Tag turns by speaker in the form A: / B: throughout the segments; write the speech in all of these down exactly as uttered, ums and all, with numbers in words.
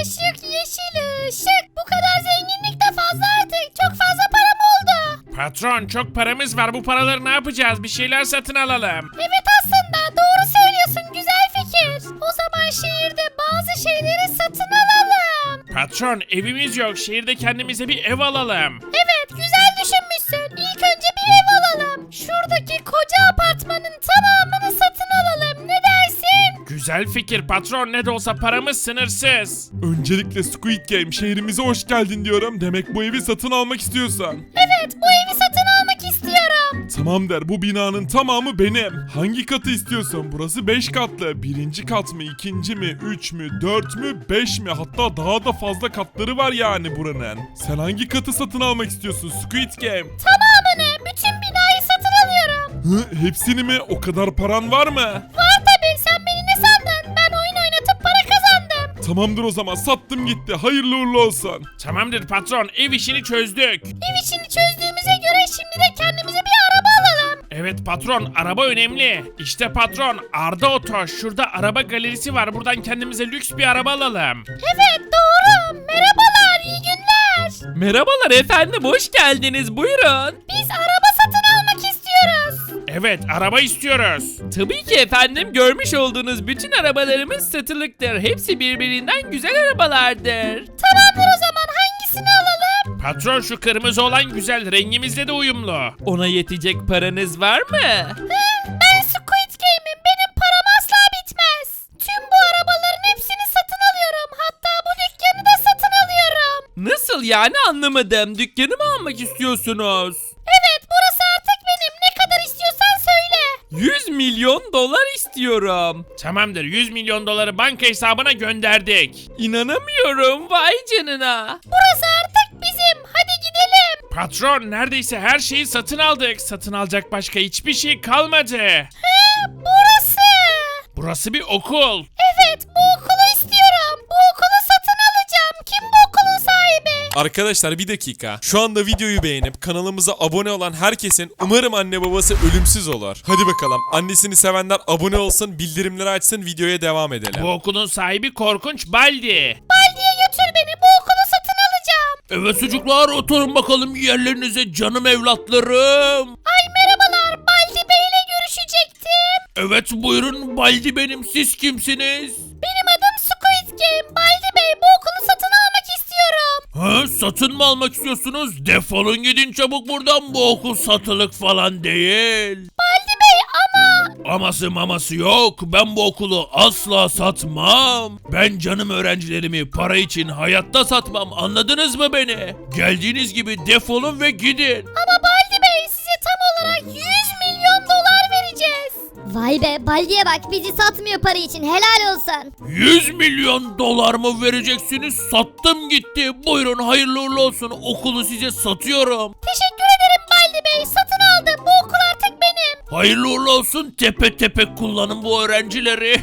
A: ışık, yeşil ışık. Bu kadar zenginlik de fazla artık. Çok fazla param oldu.
B: Patron çok paramız var, bu paraları ne yapacağız? Bir şeyler satın alalım.
A: Evet aslında doğru söylüyorsun, güzel fikir. O zaman şehirde bazı şeyleri satın alalım.
B: Patron evimiz yok, şehirde kendimize bir ev alalım.
A: Evet güzel düşünmüşsün. İlk önce bir ev alalım. Şuradaki koca apartmanın tamamını satın alalım. Ne dersin?
B: Güzel fikir patron, ne de olsa paramız sınırsız.
C: Öncelikle Squid Game, şehrimize hoş geldin diyorum. Demek bu evi satın almak istiyorsan.
A: Evet bu evi satın almak istiyorum.
C: Tamam der, bu binanın tamamı benim. Hangi katı istiyorsun? Burası beş katlı. Birinci kat mı, ikinci mi, üç mü, dört mü, beş mi? Hatta daha da fazla katları var yani buranın. Sen hangi katı satın almak istiyorsun Squid Game?
A: Tamamını, bütün binayı satın alıyorum.
C: Hı, hepsini mi? O kadar paran var mı?
A: Var tabii, sen beni ne sandın? Ben oyun oynatıp para kazandım.
C: Tamamdır o zaman, sattım gitti. Hayırlı uğurlu olsun.
B: Tamamdır patron, ev işini çözdük.
A: Ev işini çözdüğümüze göre şimdi de kendimize bir araba alalım.
B: Evet patron, araba önemli. İşte patron, Arda Oto. Şurada araba galerisi var, buradan kendimize lüks bir araba alalım.
A: Evet doğru. Merhabalar, iyi günler.
D: Merhabalar efendim, hoş geldiniz, buyurun.
A: Biz araba satın almak istiyoruz.
B: Evet, araba istiyoruz.
D: Tabii ki efendim, görmüş olduğunuz bütün arabalarımız satılıktır. Hepsi birbirinden güzel arabalardır.
A: Tamamdır o zaman, hangisini alalım?
B: Patron şu kırmızı olan güzel, rengimizle de uyumlu.
D: Ona yetecek paranız var mı?
A: Hı, ben Squid Game'im, benim param asla bitmez. Tüm bu arabaların hepsini satın alıyorum. Hatta bu dükkanı da satın alıyorum.
D: Nasıl yani, anlamadım. Dükkanı mı almak istiyorsunuz?
A: Evet burası artık benim, ne kadar istiyorsan söyle.
D: yüz milyon dolar istiyorum.
B: Tamamdır, yüz milyon doları banka hesabına gönderdik.
D: İnanamıyorum, vay canına.
A: Burası artık bizim, hadi gidelim.
B: Patron, neredeyse her şeyi satın aldık. Satın alacak başka hiçbir şey kalmadı.
A: Hı, burası.
B: Burası bir okul.
A: Evet bu okulu istiyorum. Bu okulu satın alacağım. Kim bu okulun sahibi?
E: Arkadaşlar bir dakika. Şu anda videoyu beğenip kanalımıza abone olan herkesin umarım anne babası ölümsüz olur. Hadi bakalım. Annesini sevenler abone olsun, bildirimleri açsın, videoya devam edelim.
B: Bu okulun sahibi Korkunç Baldi.
A: Baldi'ye götür beni, bu okulu satın alacağım.
B: Evet çocuklar, oturun bakalım yerlerinize canım evlatlarım.
A: Ay merhabalar, Baldi Bey'le görüşecektim.
B: Evet buyurun, Baldi benim, siz kimsiniz?
A: Benim adım Squid Game. Baldi Bey, bu okulu satın almak istiyorum.
B: Ha, satın mı almak istiyorsunuz? Defolun gidin çabuk buradan, bu okul satılık falan değil.
A: Baldi Bey ama...
B: Aması maması yok, ben bu okulu asla satmam. Ben canım öğrencilerimi para için hayatta satmam, anladınız mı beni? Geldiğiniz gibi defolun ve gidin.
A: Ama Baldi Bey, size tam olarak yüz milyon dolar vereceğiz. Vay be, Baldi'ye bak, bizi satmıyor para için, helal olsun.
B: yüz milyon dolar mı vereceksiniz? Sattım gitti. Buyurun hayırlı uğurlu olsun. Okulu size satıyorum.
A: Teşekkür ederim Baldi Bey, satın aldım, bu okul artık benim.
B: Hayırlı uğurlu olsun. Tepe tepe kullanın bu öğrencileri.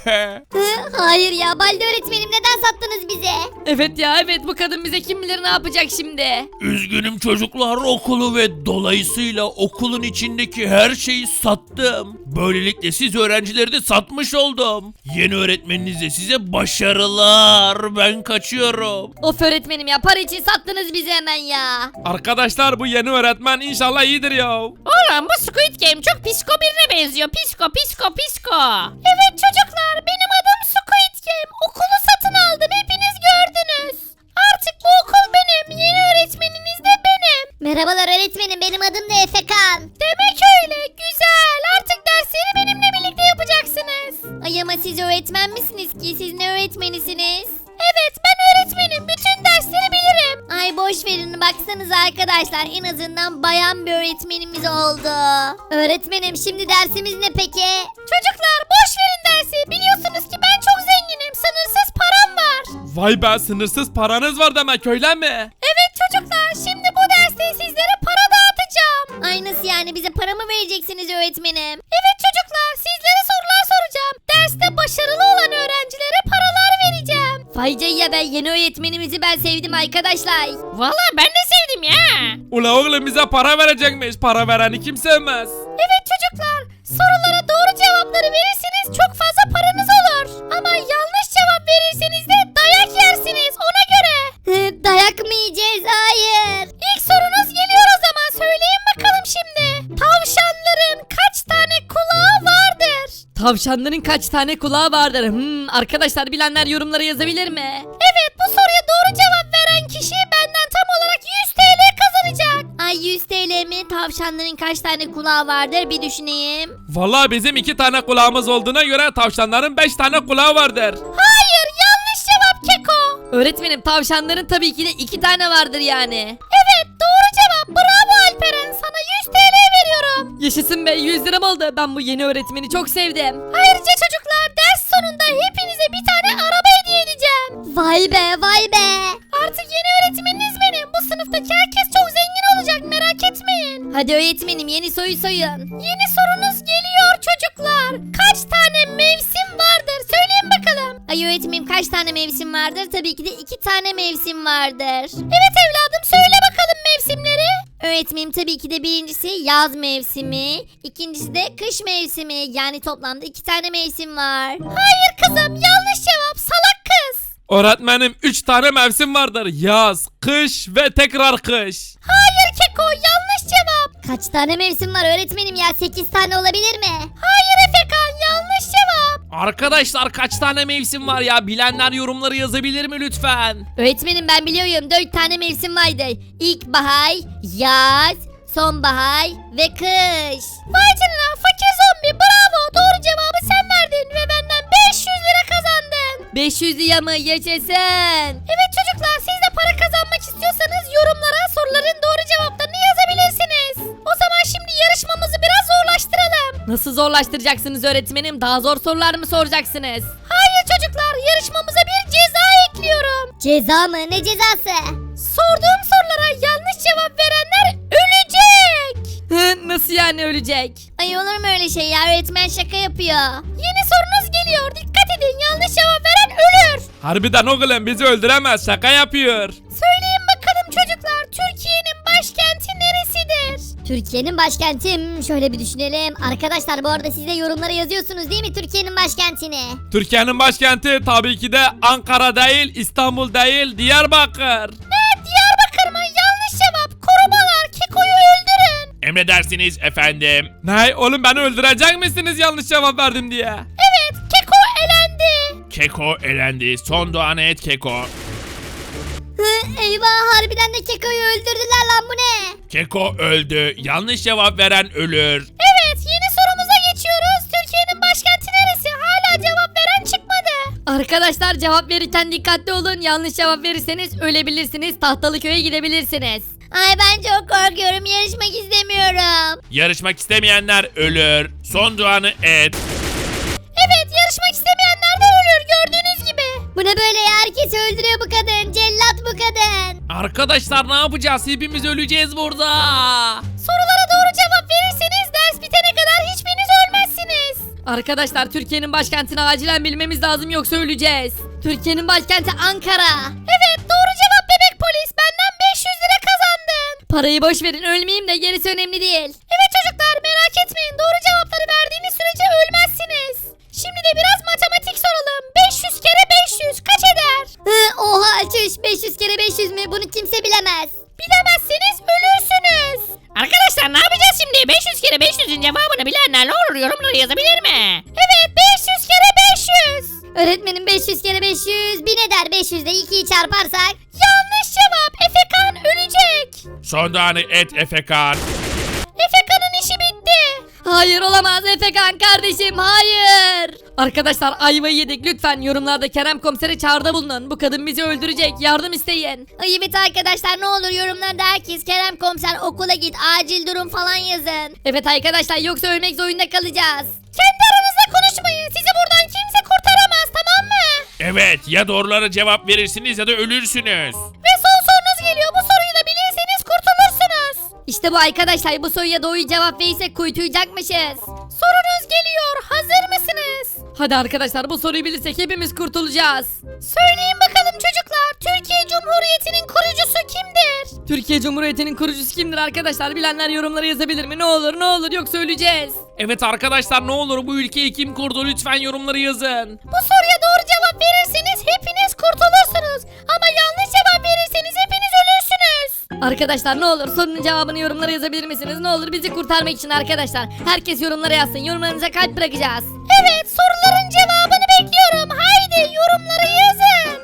A: Hı, hayır ya Baldi öğretmenim, neden sattınız bize?
F: Evet ya evet, bu kadın bize kim bilir ne yapacak şimdi.
B: Üzgünüm çocuklar, okulu ve dolayısıyla okulun içindeki her şeyi sattım. Böylelikle siz öğrencileri de satmış oldum. Yeni öğretmeninize size başarılar. Ben kaçıyorum.
F: Of öğretmenim ya, para için sattınız bizi hemen ya.
D: Arkadaşlar bu yeni öğretmen inşallah iyidir ya.
F: Oğlum bu Squid Game çok psiko birine benziyor. Psiko psiko psiko.
A: Evet çocuklar, benim adım Squid Game. Okulu satın aldım, hepiniz gördünüz. Artık bu okul benim, yeni öğretmeniniz de benim. Merhabalar öğretmenim, benim adım da Efekan. Demek öyle, güzel. Artık dersleri benimle birlikte yapacaksınız. Ay ama siz öğretmen misiniz ki? Siz ne öğretmenisiniz? Evet ben öğretmenim, bütün dersleri bilirim. Ay boş verin, baksanıza arkadaşlar, en azından bayan bir öğretmenimiz oldu. Öğretmenim şimdi dersimiz ne peki? Çocuklar boş verin dersi, biliyorsunuz ki ben çok zenginim, sınırsız param var.
D: Vay be, sınırsız paranız var demek, öyle mi?
A: Evet çocuklar, şimdi bu derste sizlere para dağıtacağım. Ay nasıl yani, bize para mı vereceksiniz öğretmenim? Evet çocuklar, sizlere sorular soracağım. Derste başarılı olan öğrencilere paralar vereceğim. Vay ya, ben yeni öğretmenimizi ben sevdim arkadaşlar.
F: Valla ben de sevdim ya.
D: Ula oğlum bize para verecekmiş, para vereni kim sevmez.
A: Evet çocuklar, sorulara doğru cevapları verirseniz çok fazla paranız olur. Ama yanlış cevap verirseniz de dayak yersiniz.
G: Tavşanların kaç tane kulağı vardır? Hmm, arkadaşlar bilenler yorumlara yazabilir mi?
A: Evet, bu soruya doğru cevap veren kişi benden tam olarak yüz T L kazanacak. Ay yüz T L mi? Tavşanların kaç tane kulağı vardır bir düşüneyim.
D: Vallahi bizim iki tane kulağımız olduğuna göre tavşanların beş tane kulağı vardır.
A: Hayır, yanlış cevap Keko.
G: Öğretmenim tavşanların tabii ki de iki tane vardır yani.
A: Evet, doğru cevap. Bravo Alperen, sana yüz T L veriyorum.
G: Yaşasın be, yüz liram oldu. Ben bu yeni öğretmeni çok sevdim.
A: Ayrıca çocuklar, ders sonunda hepinize bir tane araba hediye edeceğim. Vay be, vay be. Artık yeni öğretmeniniz benim. Bu sınıftaki herkes çok zengin olacak, merak etmeyin.
G: Hadi öğretmenim yeni soyu soyun.
A: Yeni sorunuz geliyor çocuklar. Kaç tane mevsim vardır? Söyleyin bakalım.
G: Ay öğretmenim kaç tane mevsim vardır? Tabii ki de iki tane mevsim vardır.
A: Evet evladım, söyle bakalım mevsimleri.
G: Öğretmenim tabii ki de birincisi yaz mevsimi, ikincisi de kış mevsimi. Yani toplamda iki tane mevsim var.
A: Hayır kızım, yanlış cevap, salak kız.
D: Öğretmenim üç tane mevsim vardır. Yaz, kış ve tekrar kış.
A: Hayır Keko, yanlış cevap.
G: Kaç tane mevsim var öğretmenim ya? sekiz tane olabilir mi?
A: Hayır Efekan, yanlış cevap.
D: Arkadaşlar kaç tane mevsim var ya? Bilenler yorumları yazabilir mi lütfen?
G: Öğretmenim ben biliyorum, dört tane mevsim vardır. İlkbahar, yaz, sonbahar ve kış.
A: Vay canına, fakir zombi, bravo, doğru cevabı sen verdin ve benden beş yüz lira kazandın.
G: beş yüz lira mı? Yaşasın.
A: Evet çocuklar, siz de para kazanmak istiyorsanız yorumlara soruların doğru cevaplarını yazabilirsiniz. O zaman şimdi yarışmamızı biraz zorlaştıralım.
G: Nasıl zorlaştıracaksınız öğretmenim? Daha zor sorular mı soracaksınız?
A: Hayır çocuklar, yarışmamıza bir ceza ekliyorum.
G: Ceza mı? Ne cezası?
A: Sorduğum sorulara yanlış cevap verenler ölecek.
G: Hı, nasıl yani ölecek? Ay olur mu öyle şey ya? Öğretmen şaka yapıyor.
A: Yeni sorunuz geliyor, dikkat edin, yanlış cevap veren ölür.
D: Harbiden oğlum bizi öldüremez, şaka yapıyor.
A: Söyleyin bakalım çocuklar, Türkiye'nin başkenti neresidir?
G: Türkiye'nin başkenti hmm, şöyle bir düşünelim. Arkadaşlar bu arada siz de yorumlara yazıyorsunuz değil mi Türkiye'nin başkentini?
D: Türkiye'nin başkenti tabii ki de Ankara değil, İstanbul değil, Diyarbakır.
A: Ne, Diyarbakır mı? Yanlış cevap. Korumalar, Keko'yu öldürün.
B: Emredersiniz efendim.
D: Ne oğlum beni öldürecek misiniz yanlış cevap verdim diye?
A: Evet, Keko elendi.
B: Keko elendi. Son doğanı et Keko.
G: Hı, eyvah harbiden de Keko'yu öldürdüler lan, bu ne?
B: Keko öldü. Yanlış cevap veren ölür.
A: Evet, yeni sorumuza geçiyoruz. Türkiye'nin başkenti neresi? Hala cevap veren çıkmadı.
G: Arkadaşlar cevap verirken dikkatli olun. Yanlış cevap verirseniz ölebilirsiniz. Tahtalıköy'e gidebilirsiniz. Ay ben çok korkuyorum. Yarışmak istemiyorum.
B: Yarışmak istemeyenler ölür. Son doğanı et.
A: Evet, yarışmak istemeyenler de ölür gördüğünüz gibi.
G: Bu ne böyle ya? Herkesi öldürüyor bu kadın. Cellat bu kadın.
D: Arkadaşlar ne yapacağız? Hepimiz öleceğiz burada.
A: Sorulara doğru cevap verirseniz ders bitene kadar hiçbiriniz ölmezsiniz.
G: Arkadaşlar Türkiye'nin başkentini acilen bilmemiz lazım yoksa öleceğiz. Türkiye'nin başkenti Ankara.
A: Evet, doğru cevap bebek polis. Benden beş yüz lira kazandın.
G: Parayı boş verin, ölmeyeyim de gerisi önemli değil.
A: Evet çocuklar, merak etmeyin. Doğru cevapları verdiğiniz sürece ölmezsiniz. Şimdi de biraz matematik soralım. beş yüz kere beş yüz kaç eder?
G: Hı, oha çüş, beş yüz kere beş yüz mü? Bunu kimse bilemez.
A: Bilemezseniz ölürsünüz.
F: Arkadaşlar ne yapacağız şimdi? beş yüz kere beş yüzün cevabını bilenler ne olur yorumlara yazabilir mi?
A: Evet, beş yüz kere beş yüz.
G: Öğretmenim beş yüz kere beş yüz bin eder. beş yüz de ikiyi çarparsak.
A: Yanlış cevap. Efekan ölecek.
B: Son doğanı et Efekan.
A: Efekan'ın işi bitti.
G: Hayır olamaz Efekan kardeşim, hayır. Arkadaşlar ayvayı yedik, lütfen yorumlarda Kerem komisere çağrıda bulunun. Bu kadın bizi öldürecek, yardım isteyin. Ay evet arkadaşlar, ne olur yorumlarda herkes Kerem komiser okula git, acil durum falan yazın. Evet arkadaşlar, yoksa ölmek zorunda kalacağız.
A: Kendi aranızda konuşmayın. Sizi buradan kimse kurtaramaz, tamam mı?
B: Evet, ya doğrulara cevap verirsiniz ya da ölürsünüz.
A: Ve son sorunuz geliyor. Bu soruyu da bilirseniz kurtulursunuz.
G: İşte bu arkadaşlar, bu soruya doğru cevap verirsek kuytuyacakmışız.
A: Sorunuz geliyor. Hazır mısınız?
G: Hadi arkadaşlar, bu soruyu bilirsek hepimiz kurtulacağız.
A: Söyleyin bakalım çocuklar. Türkiye Cumhuriyeti'nin kurucusu kimdir?
G: Türkiye Cumhuriyeti'nin kurucusu kimdir arkadaşlar? Bilenler yorumlara yazabilir mi? Ne olur ne olur, yoksa öleceğiz.
D: Evet arkadaşlar ne olur bu ülkeyi kim kurdu lütfen yorumları yazın.
A: Bu soruya doğru cevap verirseniz hepiniz kurtulursunuz. Ama yanlış cevap verirseniz hepiniz ölürsünüz.
G: Arkadaşlar ne olur sorunun cevabını yorumlara yazabilir misiniz? Ne olur bizi kurtarmak için arkadaşlar. Herkes yorumlara yazsın. Yorumlarınıza kalp bırakacağız.
A: Evet, soruların cevabını bekliyorum. Haydi yorumlara yazın.